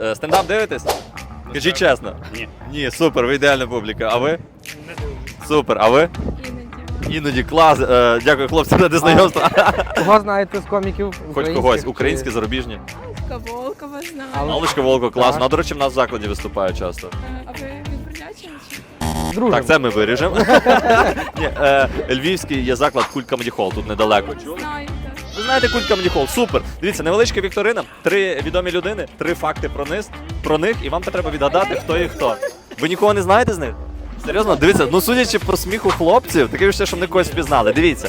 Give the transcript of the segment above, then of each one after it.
Стендап дивитесь? Кажіть чесно. Ні. Ні, супер, ви ідеальна публіка. А ви? Не дивлюсь. Супер, а ви? Іноді клас. Дякую, хлопці, за знайомство. Кого знаєте з коміків? Хоч українських когось, чи- українські, зарубіжні. Волкова знаю. Але- Аллочка Волко, класно. Так. А, до речі, в нас в закладі виступає часто. А ви від Бердячина чи? Дружимо. Так, це ми виріжемо. Ні, Львівський є заклад Культ Comedy Hall, тут недалеко. Знаю, так. Ви знаєте Культ Comedy Hall? Супер. Дивіться, невеличка вікторина, 3 відомі людини, 3 факти про них, і вам треба відгадати, хто і хто. Ви нікого не знаєте з них? Серйозно? Дивіться, ну судячи по сміху хлопців, таке відчуття, що вони когось впізнали. Дивіться,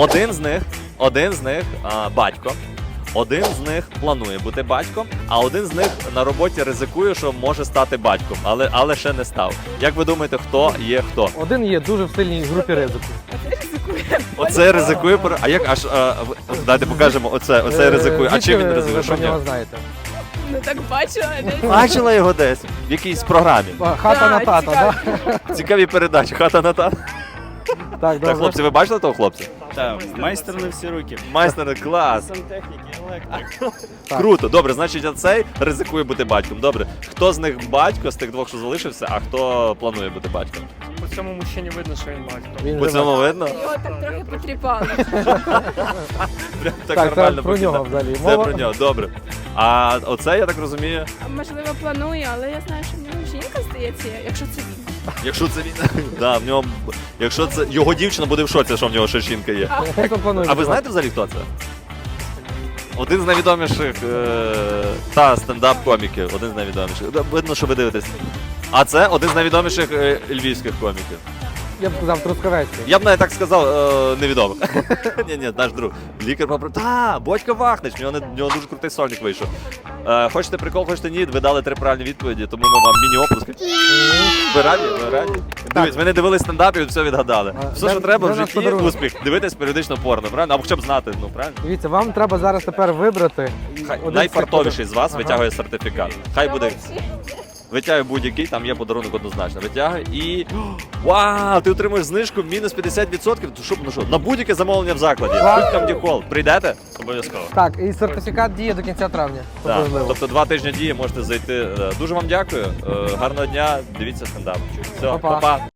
один з них батько, один з них планує бути батьком, а один з них на роботі ризикує, що може стати батьком, але ще не став. Як ви думаєте, хто є хто? Один є дуже в сильній групі ризику. Оце ризикує. Оце ризикує, а як аж дайте покажемо оце ризикує. А чим він Звідки ризикує? ви Що в про нього нього? знаєте? Ну так бачила десь. Бачила його десь в якійсь програмі. Хата на тата, цікаво. так? Цікаві передачі. Хата на та. Так, Так, добре. хлопці, ви бачили того хлопця? Так, майстер на всі руки. Майстер, клас. Сантехніки, електрик. Так. Круто. Добре, значить, оцей ризикує бути батьком. Добре. Хто з них батько, з тих двох, що залишився, а хто планує бути батьком? По цьому мужчині видно, що він батько. Він По живе. цьому видно? Його так трохи потріпали. Прям так Так, це нормально про нього покидав. взагалі. Це Мова- про нього, добре. А оце, я так розумію, А, можливо, планує, але я знаю, що в нього жінка, здається, якщо це він. якщо це він. Да, в ньому. Якщо це його дівчина буде в шоці, що в нього ще жінка є. Хто планує? А ви знаєте взагалі, хто це? Один з найвідоміших стендап-коміків. Один з найвідоміших. Да, видно, що ви дивитесь. А це один з найвідоміших львівських коміків. Я б сказав Трускавецький. Я б навіть так сказав, невідомих. Ні, наш друг. Лікар попри. Бодька Вахнич, в нього дуже крутий сольник вийшов. Хочете прикол, хочете ні, ви дали 3 правильні відповіді, тому ми вам міні-оплески. Ви раді? Ви раді? Дивіться, ви не дивились стендап і все відгадали. Все, що де- треба де в наш житті, подарунок? успіх. Дивитись періодично порно, правильно? Або хоча б знати, ну правильно? Дивіться, вам треба зараз тепер вибрати. Хай один з найфартовіший цих з вас Ага. витягує сертифікат. Хай буде. Витягує будь-який, там є подарунок однозначно. Витягує і. Вау! Ти отримуєш знижку мінус 50%. Ну що, на будь-яке замовлення в закладі. Клас. Будь-там діхол. Прийдете? Обов'язково. Так, і сертифікат діє до кінця травня. Це Так. важливо. Тобто 2 тижні дії можете зайти. Дуже вам дякую. Гарного дня. Дивіться стендап. Все, Па-па. па-па.